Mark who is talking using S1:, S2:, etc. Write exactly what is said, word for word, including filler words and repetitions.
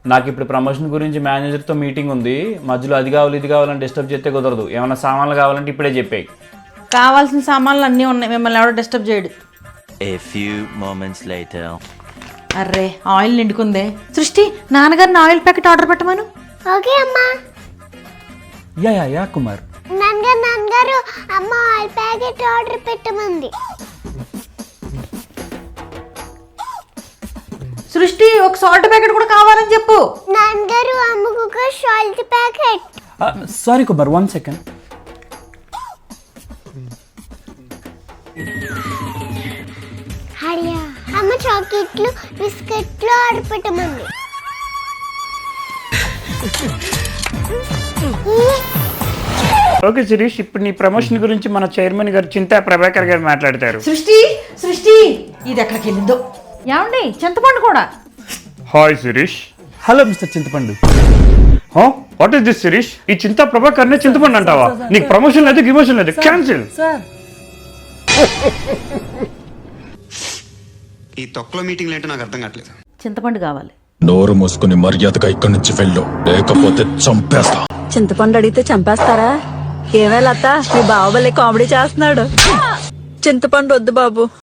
S1: నాకు ఇప్పుడు ప్రమోషన్ గురించి మేనేజర్తో మీటింగ్ ఉంది. మధ్యలో అది కావాలి ఇది కావాలని డిస్టర్బ్ చేస్తే కుదరదు. ఏమైనా సామాన్లు కావాలంటే ఇప్పుడే చెప్పాయి.
S2: కావాల్సిన సామాన్లు అన్నీ ఉన్నాయి, మిమ్మల్ని ఎవడో డిస్టర్బ్ చేయడు.
S3: A few moments later.
S2: అర్రే ఆయిల్ నిండుకుందే. సృష్టి, నాన్నగారిని ఆయిల్ ప్యాకెట్ ఆర్డర్ పెట్టమను.
S4: ఓకే అమ్మా.
S1: Ya ya ya Kumar.
S4: నాన్నగారు నాన్నగారు అమ్మ ఆయిల్ ప్యాకెట్ ఆర్డర్ పెట్టమంది.
S2: సృష్టి, ఒక సాల్ట్ ప్యాకెట్ కూడా కావాలని చెప్పు.
S4: నాన్నగారు అమ్మకు ఒక salt packet.
S1: Sorry Kumar, one second.
S4: Hariya అమ్మ చాక్లెట్లు బిస్కెట్లు ఆర్డర్ పెట్టమంది.
S1: ఓకే శిరీష్, ఇప్పుడు నీ ప్రమోషన్ గురించి మన చైర్మన్ గారు చింతా ప్రభాకర్ గారు మాట్లాడతారు.
S2: సృష్టి సృష్టి ఇది ఎక్కడికి వెళ్ళిందో. ఏమండి, చింతపండు కూడా.
S1: హాయ్ శిరీష్. హలో మిస్టర్ చింతపండు. What is this Shirish? ఈ చింతా ప్రభాకర్ నే చింతపండు అంటావా? నీకు ప్రమోషన్ లేదు, గిమోషన్ లేదు, క్యాన్సిల్.
S5: ఈ తొక్కలో మీటింగ్ ఏంటో నాకు అర్థం కావట్లేదు.
S2: చింతపండు కావాలి.
S6: నోరు మూసుకుని మర్యాదగా ఇక్కడి నుంచి వెళ్ళు, లేకపోతే చంపేస్తా.
S7: చింతపండు అడిగితే చంపేస్తారా? ఏమే లత, మీ బావబల్లే కామెడీ చేస్తున్నాడు. చింతపండు వద్దు బాబు,